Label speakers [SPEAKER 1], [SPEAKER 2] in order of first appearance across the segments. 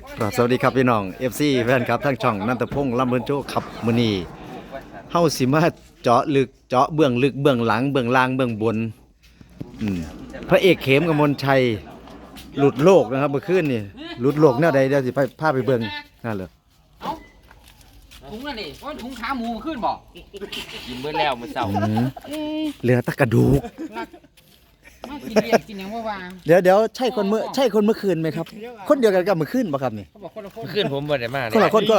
[SPEAKER 1] ครับสวัสดีครับพี่น้อง FC แฟนครับทั้งช่องนันทพงษ์ลำเบินโจขับมื้อนี้เฮาสิมาเจาะลึกเจาะเบื้องลึกเบื้องหลังเบื้องล่างเบื้องบนพระเอกเขมกมลชัยหลุดโลกนะครับเมื่อคืนนี่หลุดโลกแนวใดเดี๋ยวสิพาไปเบิ่งนั่นเลย
[SPEAKER 2] เอ้าถุงนั่นนี่ว่าถุงขาหมูมันขึ้นบ่
[SPEAKER 3] กินเบิดแล้วมื้อเช้า
[SPEAKER 1] เหลือแตะกระดูก
[SPEAKER 2] มากินเรียกกินหยังว่าวาง
[SPEAKER 1] เดี๋ยวใช่คนเมื่อคืนไหมครับ คนเดียวกันกับเมื่อคืนป่ะครับนี่
[SPEAKER 2] เขาบอกคนละคน
[SPEAKER 3] ขึ้นผมบ่ได้มา
[SPEAKER 1] คนละคน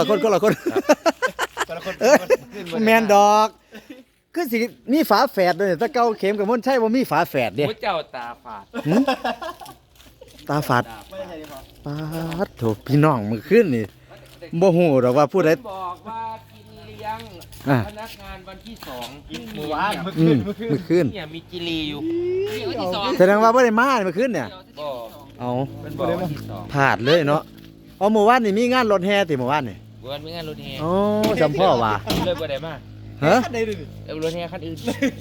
[SPEAKER 1] เอ้ยแมนดอกคือสิมีฝาแฝดด้วยถ้าเก่าเข็มกับมนใช่ว่ามีฝาแฝดเด้
[SPEAKER 3] ผู้เจ้าตาฝาด
[SPEAKER 1] หึตาฝาดปาดโถพี่น้องมื้อคืนนี่บ่ฮู้ดอกว่าผู้ใด
[SPEAKER 3] บอกว่ากินเลี้ยง
[SPEAKER 1] อ่ะ
[SPEAKER 3] พนักงานวันที่2กินหมู
[SPEAKER 1] มื้อคืน
[SPEAKER 3] เนี่ยมีจิลีอยู่
[SPEAKER 2] เรียกวันที่สอง
[SPEAKER 1] แสดงว่าบ่ได้มามื้อคืนเนี่ย
[SPEAKER 3] บ่
[SPEAKER 1] เอา
[SPEAKER 3] เป็นบอกวันที่2
[SPEAKER 1] พลาดเลยเนาะเอาเมื่อวานนี่มีงานรถแห่ติเมื่อวานนี่
[SPEAKER 3] วันมีงานรถแห่
[SPEAKER 1] โอ้จำพ่อว่า
[SPEAKER 3] เลยบ่ได้มา
[SPEAKER 1] ฮะ
[SPEAKER 3] เอารถแห่คันอื่น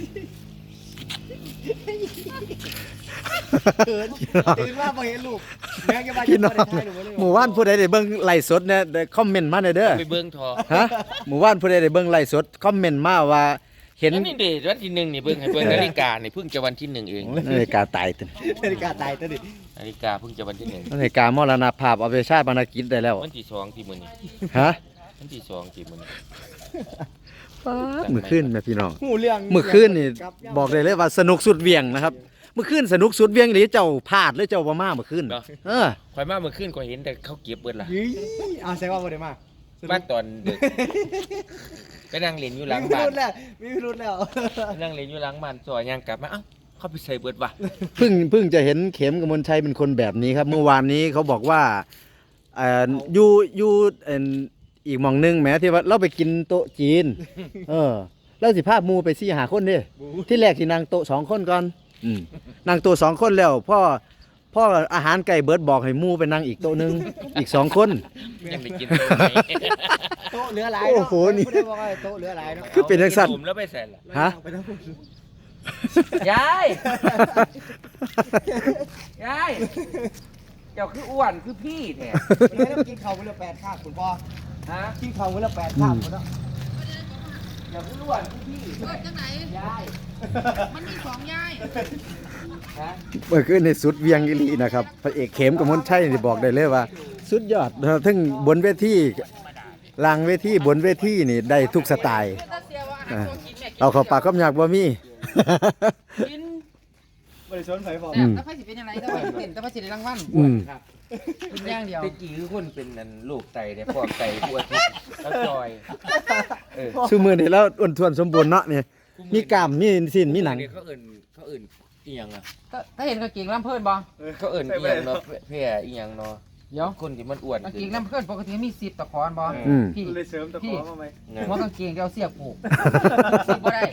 [SPEAKER 4] ตื่นมาบ่เห็นลูกแม่งจะมา
[SPEAKER 1] พี่น้อง
[SPEAKER 4] จะถ่ายหนูบ่เลย
[SPEAKER 1] หมู่บ้านผู้ใดได้เบิ่งไลฟ์สดเนี่ยได้คอมเมนต์มาหน่อยเด้อ
[SPEAKER 3] ไปเบิ่งทอ
[SPEAKER 1] ฮะหมู่บ้านผู้ใดได้เบิ่งไลฟ์สดคอมเมนต์มาว่าเห็น
[SPEAKER 3] แล้วนี่เดทวันที่1นี่เบิ่งให้เบิ่งนาฬิกานี่เพิ่งจะวันที่1เอง
[SPEAKER 1] นาฬิกาตายตึน
[SPEAKER 4] นาฬิกาตายตัวดิ
[SPEAKER 3] นาฬิกาเพิ่งจะวันที่1
[SPEAKER 1] นาฬิกามรณภาพเอาไปชาติบรรณกิจได้แล้ว
[SPEAKER 3] วันที่2ที่มื้อนี้
[SPEAKER 1] ฮะ
[SPEAKER 3] วันที่2ที่มื้อนี้
[SPEAKER 1] ป๊าดมื้อคืนแม่พี่น้อง
[SPEAKER 4] หูเรื่อง
[SPEAKER 1] มื้อคืนนี่บอกได้เลยว่าสนุกสุดเหวี่ยงนะครับเมื่อคืนสนุกสุดเหวี่ยงหรือเจ้าพลาดหรือเจ้าบ่มาเมื่อคืนเออ
[SPEAKER 3] ข่อยมาเมื่อคืนก็เห็นแต่เขาเก็บเบิดล่ะ
[SPEAKER 4] ยี่เอาแสดงว่าบ่ได้มา
[SPEAKER 3] บ้านตอนดึกไปนั่งเล่นอยู่หลัง
[SPEAKER 4] มี
[SPEAKER 3] บ้า
[SPEAKER 4] พิ
[SPEAKER 3] น
[SPEAKER 4] รุธแล้วมีพิรุธแล้ว
[SPEAKER 3] ไปนั่งเล่นอยู่หลังบ้านซอยย่างกลับมาเอ้าเขาไปใส่เบิดว่ะ
[SPEAKER 1] เพิ่งจะเห็นเข็มกมลชัยเป็นคนแบบนี้ครับ เมื่อวานนี้เขาบอกว่าอยู่อีกหม่องหนึงแหมที่ว่าเราไปกินโต๊ะจีน เออแล้วสิพาหมู่ไป4 5คนเด้ที่แรกสินั่งโต๊ะ2คนก่อนนั่งโต๊ะ2คนแล้วพ่ออาหารไก่เบิร์ดบอกให้หมู่ไปนั่งอีกโต๊ะหนึงอีก2คน
[SPEAKER 3] ยังไปกินโต๊ะไหน
[SPEAKER 4] โต๊ะเหลือหลาย
[SPEAKER 1] โอ้โหนี่
[SPEAKER 4] ผู้ใดบอกว่าโต๊ะเหลือหลายเนาะ
[SPEAKER 1] คือเป็นจังซั่น
[SPEAKER 3] ผมแล้วไปใส่ล่ะ
[SPEAKER 1] ฮะ
[SPEAKER 4] ไปทั้งหมด
[SPEAKER 3] ยายยายเจ้าคืออ้วนคือพี่แท้
[SPEAKER 4] วันนี้เรากินข้าวมื้อละ8คาบคุณพ่อ
[SPEAKER 3] ฮะ
[SPEAKER 4] กินข้าวมื้อละ8คาบคุณเนาะ
[SPEAKER 3] เจ้าคืออ้วนคือพี่
[SPEAKER 2] เกิดจังไหน
[SPEAKER 3] ยาย
[SPEAKER 2] มันมีสองยาย
[SPEAKER 3] ฮะ
[SPEAKER 1] เมื่อคืนในสุดเวียงอีหลีนะครับพระเอกเข็มกมลชัยนี่บอกได้เลยว่า สุดยอดนะครับทั้งบนเวทีล่างเวทีบนเวทีนี่ได้ทุกสไตล์
[SPEAKER 2] ถ้าเสียว่าอาหารตัวกินแม่กิน
[SPEAKER 1] เอาเข้าปากก็อยากบ่มี
[SPEAKER 2] กิน
[SPEAKER 4] บ่ได้สนไผบอก
[SPEAKER 2] แต่ถ้าไฟสิเป็นยังไงถ้าไฟเป็นถ้าไฟสิได้รางวัล
[SPEAKER 1] อืม
[SPEAKER 2] กินอย่างเดียว
[SPEAKER 3] ตะกี้คือคนเป็นนั่นลูกไตเนี่ยพวกไตพวกที่แล้วจอยเออ
[SPEAKER 1] ซุมื้อนี้แล้วอ้วนท้วนสมบูรณ์เนาะนี่มีกล้ามมีสิ้นมีหนัง
[SPEAKER 3] เขาเอิ่นอีหยังอ่ะ
[SPEAKER 2] ถ้าเห็นกางเกงลำเพิ่นบ่
[SPEAKER 3] เขาเอิ่นอีหยังเนาะเพี้ยอีหยังเนาะ
[SPEAKER 2] เดี๋ยว
[SPEAKER 3] คนที่มันอ้วน
[SPEAKER 2] กางเกงลำเพิ่นปกติมี10ตะขอนบ่
[SPEAKER 1] อืม
[SPEAKER 2] พี่
[SPEAKER 4] เลยเสริมตะขอมาไหม
[SPEAKER 2] หัวกางเกงเดี๋ยวเสียบผูกสิบ่ได้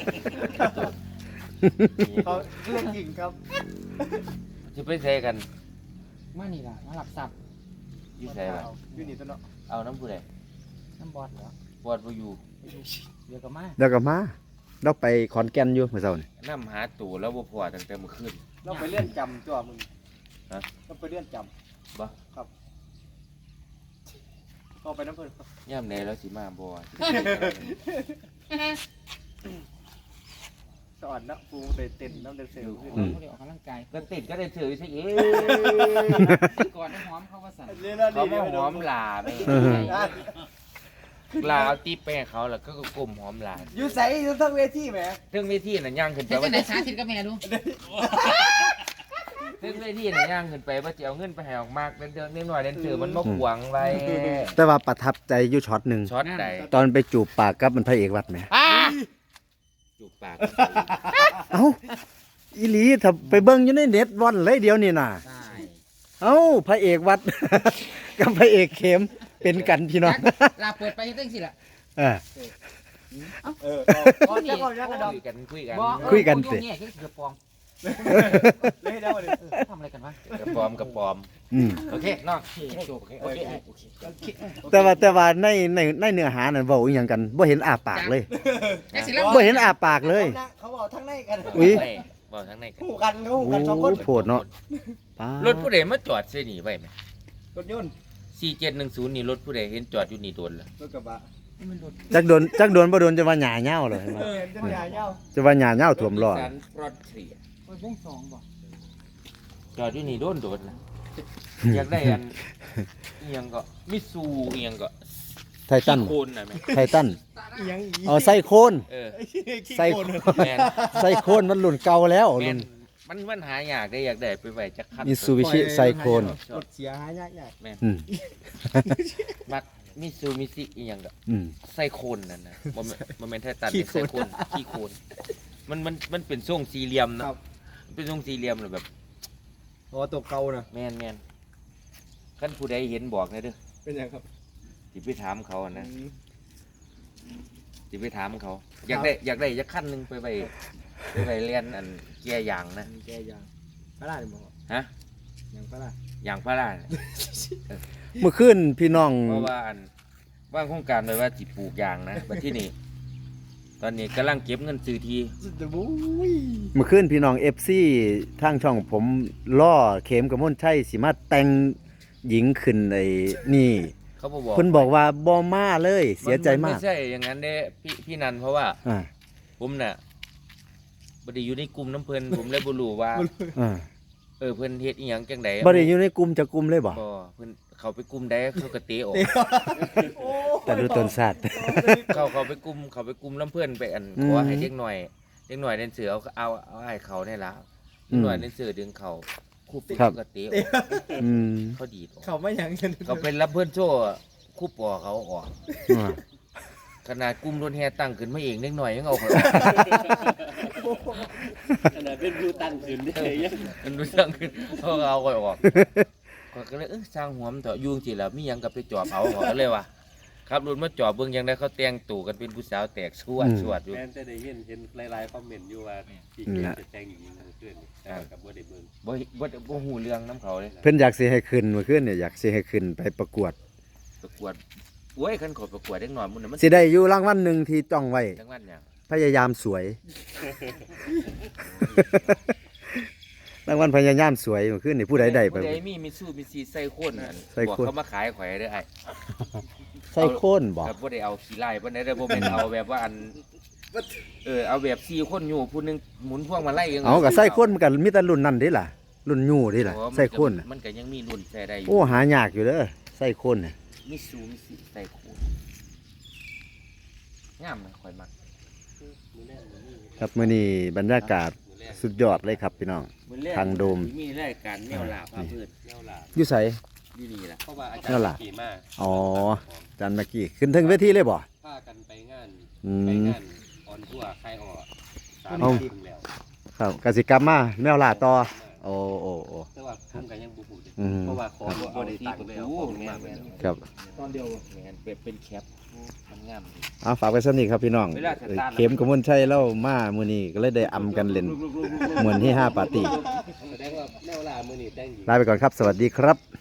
[SPEAKER 4] เขาเรื่องจริงครับ
[SPEAKER 3] จะไปใส่กัน
[SPEAKER 2] มานี่ล่ะมาหลับสับ
[SPEAKER 3] อยู่ใส่ล่ะ
[SPEAKER 4] อยู่นี่ตัวเนาะ
[SPEAKER 3] เอาน้ำผู้ใด
[SPEAKER 2] น้ำบอดแล้ว
[SPEAKER 3] ปวดบ่อยู่
[SPEAKER 2] เดี๋ยวก็มา
[SPEAKER 1] แล้วก็มาเราไปขอนแก่นอยู่เมื่อเช้านี่
[SPEAKER 3] น้ำหาตู่แล้วบ่พอตั้งแต่เมื่อคืน
[SPEAKER 4] เราไปเลื่อนจำตัวมึง
[SPEAKER 3] ฮะ
[SPEAKER 4] เราไปเลื่อนจ
[SPEAKER 3] บ่
[SPEAKER 4] ำครับก็ไปน้ำเพิ่น
[SPEAKER 3] ย่ำใดแล้วสิมาบ่
[SPEAKER 4] สอนนะปูเต้นเต้นน้ำเดินเซลขึ้น
[SPEAKER 2] เขาเรียกออกกำลังกาย
[SPEAKER 3] ก็ติดก็ได้ถือซะเอง
[SPEAKER 2] ก่อนน้ำหอมเขาว่าสั่น
[SPEAKER 3] เขามาหอมหลาไม่ลาเอาตีแป้งเขาแล้วก็กลมหอมหลา
[SPEAKER 4] อยู่ใส่อยู่ทั้งเวทีแหม
[SPEAKER 3] ถึงเวทีน่ะย่างขึ้นไป
[SPEAKER 2] เดี๋ยวจะ
[SPEAKER 3] ว่า
[SPEAKER 2] ไหนสาธิตกับแม่ดู
[SPEAKER 3] ถึงเวทีน่ะย่างขึ้นไปว่าจะเอาเงินไปให้ออกมากเดินนิดหน่อยเดินถือมันมาขวางไว้
[SPEAKER 1] แต่ว่าประทับใจอยู่ช็อตหนึง
[SPEAKER 3] ช็อตใด
[SPEAKER 1] ตอนไปจูบปากกับมันพระเอกวัดแหม
[SPEAKER 3] จูบปาก
[SPEAKER 1] เอ้าอีหลีถ้าไปเบิ่งอยู่ในเน็ตว่อนเลยเดียวนี่น่ะ
[SPEAKER 2] ใช่
[SPEAKER 1] เอ้าพระเอกวัด กับพระเอกเข็มเป็นกันพี่น้อง
[SPEAKER 2] ลาเปิดไปตั้งสิล่ะ
[SPEAKER 1] เออ
[SPEAKER 4] ก่อนจะก่อนจะกระดอง
[SPEAKER 3] คุยกันคุยกัน
[SPEAKER 1] คุยกันสิ
[SPEAKER 2] เนี่ยคือเกือบปอง
[SPEAKER 4] เลยได้เลย
[SPEAKER 2] ทำอะไรกันวะ
[SPEAKER 3] กระปอมกระปอม
[SPEAKER 1] อืม
[SPEAKER 3] โอเคน้องโอเคโอเค
[SPEAKER 1] แต่ว่าในเนื้อหานั่นเว้าอีหยังกันบ่เห็นอาปากเลย
[SPEAKER 2] ไอ้สิล่ะ
[SPEAKER 1] บ่เห็นอาปากเลย
[SPEAKER 4] เขาบอกทั้งในกัน
[SPEAKER 1] อุ๊ย
[SPEAKER 3] บอกทั้งในกัน
[SPEAKER 4] คู่กันเขาคู่กันสองคน
[SPEAKER 1] โอ้โหดเนาะป๊าร
[SPEAKER 3] ถผู้ใดมาจอดเสียหนีไว้ไหม
[SPEAKER 4] รถยนต์
[SPEAKER 3] 4710นี่รถผู้ใดเห็นจอดอยู่นี่โดนแล้ว
[SPEAKER 4] รถกระบะ
[SPEAKER 1] จักโดนบ่โดนจะว่าหญ้าเหย้าเลยเห็นไหม
[SPEAKER 4] จะใหญ่เย้า
[SPEAKER 1] จะว่าหญ้าเหย้าท่วมล้อ
[SPEAKER 3] นิสสันฟรอนเทีย
[SPEAKER 2] โอ้ยพงสองบ่
[SPEAKER 3] จอดอยู่นี่โดนนะอยากได้อันอีหยังก็มิซูอีหยังก็
[SPEAKER 1] ไททัน
[SPEAKER 3] โคนน่ะแม่
[SPEAKER 1] ไททัน
[SPEAKER 4] อีหยังอี
[SPEAKER 1] เอาไซโคน
[SPEAKER 3] เออ
[SPEAKER 1] ไซโคน
[SPEAKER 3] แม่น
[SPEAKER 1] ไซโคนมันรุ่นเก่าแล้ว
[SPEAKER 3] แม่
[SPEAKER 1] รุ่
[SPEAKER 3] น
[SPEAKER 1] น
[SPEAKER 3] มันหายากได้อยากได้ไปไว้จักคัน
[SPEAKER 1] มิซูบิชิไซโคน
[SPEAKER 4] รถเสียหายยาก
[SPEAKER 3] แม่น
[SPEAKER 1] อืม
[SPEAKER 3] มักมิซูมิซิอีหยังก็
[SPEAKER 1] อืม
[SPEAKER 3] ไซโคนนั่นนะบ่แม่นไททันเป็นไซโคนขี้โคนมันเป็นทรงสี่เหลี่ยม
[SPEAKER 4] ๆ
[SPEAKER 3] นะครับ เป็นทรงสี่เหลี่ยมเลยแบบ
[SPEAKER 4] อ๋อตัวเก่านะ
[SPEAKER 3] แม่นคันผู้ใดเห็นบอกนะเด้อ
[SPEAKER 4] เป็นยังครับ
[SPEAKER 3] สิไปถามเขาอะนะสิไปถามเขา อยากได้จักคันหนึงไปไว้เรียนอันเกียร์ยางนะ
[SPEAKER 4] แกยางพระราชบอก
[SPEAKER 3] ฮะ
[SPEAKER 4] ยางพระราช
[SPEAKER 3] ยางพาราน่ะ
[SPEAKER 1] เมื่อคืนพี่น้อง
[SPEAKER 3] เพราะว่าอันว่างโครงการไว้ว่าสิปลูกยางนะบัดที่นี่ตอนนี้กำลังเก็บเงินซื้อที
[SPEAKER 4] สุดจะบุ้ย
[SPEAKER 1] เมื่อคืนพี่น้อง FC ทางช่องผมล่อเข็มกับมนชัยสิมาแต่งหญิงขึ้นไอ้นี่
[SPEAKER 3] เขาบอก
[SPEAKER 1] เพิ่นบอกว่าบ่มาเลยเสียใจมาก
[SPEAKER 3] ไม่ใช่อย่างนั้นเด้พี่นันเพราะว่า
[SPEAKER 1] อ่า
[SPEAKER 3] ผมน่ะบ่ได้อยู่ในกลุ่มน้ำเพิ่น ผมเลยบ่รู้ว่า
[SPEAKER 1] อ่า
[SPEAKER 3] เพิ่นเฮ็ดอีหยังจังได๋
[SPEAKER 1] บ่ได้อยู่ในกลุ่มจะกลุ่มเลยบ่
[SPEAKER 3] บ่เพิ่นเขาไปกลุ่มใดเขาก็เตะออก
[SPEAKER 1] แต่ดูตนสัตว์
[SPEAKER 3] เขาไปกลุ่มน้ำเพิ่นไปอัน
[SPEAKER 1] อืม
[SPEAKER 3] ขอให้เด็กหน่อยเล่นเสือเอาให้เขาได้ละเด็กหน่อยเล่นเสือดึงเขาคู่ปิด
[SPEAKER 1] ครับ
[SPEAKER 3] ก็เตะออก
[SPEAKER 1] อืม
[SPEAKER 3] เขาดีดออก
[SPEAKER 4] เขาไม่ยังกัน
[SPEAKER 3] เขาเป็นรับเพื่อนโซ่คู่ปอเขาออก
[SPEAKER 1] อ่า
[SPEAKER 3] ขนาดกลุ่มรถแห่ตั้งขึ้นมาเองเล็กหน่อยยังเอาเขาออก
[SPEAKER 5] ขนาดเป็นผู้ตั้งขึ้นได้ยัง
[SPEAKER 3] มันรู้ตั้งขึ้นเขาก็เอาเขาออกข้อยก็เลยสร้างหัวมันเถอะยุ่งสิแล้วมีหยังกับไปจอบเอาเขาก็เลยว่ะครับรถมาจอบเบิ่งยังได้เขาแต่งตู่กันเป็นผู้สาวแตกสวดอยู่
[SPEAKER 5] แม่นแต่ได้เห็นหลายๆคอมเมนต์อยู่ว่าพี่เกดจะแต่งหญิงเมื่อคืนนี่แต่ว่ากับบ่ได้เบิ่ง
[SPEAKER 3] บ่ฮู้เรื่องน้ำเขาเลย
[SPEAKER 1] เพิ่นอยากสิให้ขึ้นเมื่อคืนเนี่ยอยากสิให้ขึ้นไปประกวด
[SPEAKER 3] ประกวดโอ้ยคันขอประกวดเด็กหน่อยมันน่ะมัน
[SPEAKER 1] สิได้อยู่รางวัลหนึงที่จ้องไว้
[SPEAKER 3] จังหวัดหยัง
[SPEAKER 1] พยายามสวย รางวัลพยายามสวยเมื่อคืนนี่ผู้ใดได้ไป
[SPEAKER 3] ผู้ใดมีมิซูบิชิไซโคนนั่น
[SPEAKER 1] ไซ
[SPEAKER 3] บอก
[SPEAKER 1] โคน
[SPEAKER 3] เขามาขายข่อยได้ไอ้
[SPEAKER 1] ใส่โคนบ่
[SPEAKER 3] ครับบ่ได้เอาขี้ไล่บ่ได้เด้อบ่แม่นเอาแบบว่าอันเอาแบบ4คนอยู่ผู้หนึงหมุนพวงมาลัยยัง
[SPEAKER 1] เอาก็ใส่โคนมันก็มีแต่รุ่นนั้นเด้ล่ะ รุ่นยู่เด้ล่ะ
[SPEAKER 3] เพราะว่า
[SPEAKER 1] ใส่โคนน่ะ
[SPEAKER 3] มันก็ยังมีรุ่นใส่ได้อยู่
[SPEAKER 1] โอ้หายากอยู่เด้อใส่โคนน่ะ
[SPEAKER 3] มิซูบิชิไซโคนงามนะข่อยมัก
[SPEAKER 1] ครับมื้อนี้บรรยากาศสุดยอดเลยครับพี่น้อง
[SPEAKER 3] มื้อแรก
[SPEAKER 1] ทางโดม
[SPEAKER 3] มีรายการแนวลาพาพืช
[SPEAKER 5] แนวหลา
[SPEAKER 1] อยู่ไส
[SPEAKER 3] อยู่นี่ล่ะ
[SPEAKER 5] เพราะว่าอาจาร
[SPEAKER 1] นั่นล่ะ
[SPEAKER 5] ย์ขี่มา
[SPEAKER 1] อ๋ออาจันเมื่อกี้ขึ้นถึงเวทีเลยบ่
[SPEAKER 5] พากันไปงาน
[SPEAKER 1] อื
[SPEAKER 5] ไป
[SPEAKER 1] ม
[SPEAKER 5] งานออนทัวร์ค่ายออ3
[SPEAKER 1] เอา
[SPEAKER 5] ปีแล้ว
[SPEAKER 1] ครับกสิกรรมมาแมวล่าต่อโอ้โอ้โอ้
[SPEAKER 5] แต่ว่าผมก็ยังบ่ฮู้เด้
[SPEAKER 1] อืม
[SPEAKER 5] เพราะว่าของบ่ได้ตังค์แล้วของมาก
[SPEAKER 3] แม่น
[SPEAKER 1] ครับ
[SPEAKER 4] ตอนเดียว
[SPEAKER 3] แม่นเป็นแคปมันงามดี
[SPEAKER 1] เอาฝากไว้สำนี้ครับพี่น้อง
[SPEAKER 3] เวลาสตาร์ท
[SPEAKER 1] เข็มกมลชัยเล่ามามื้อนี้ก็เลยได้อำกันเล่นเหมือนที่5ปาร์ตี้
[SPEAKER 5] แสดงว่าแนวหลามื้อนี้แต่งหญิง
[SPEAKER 1] ลาไปก่อนครับ สวัสดีครับ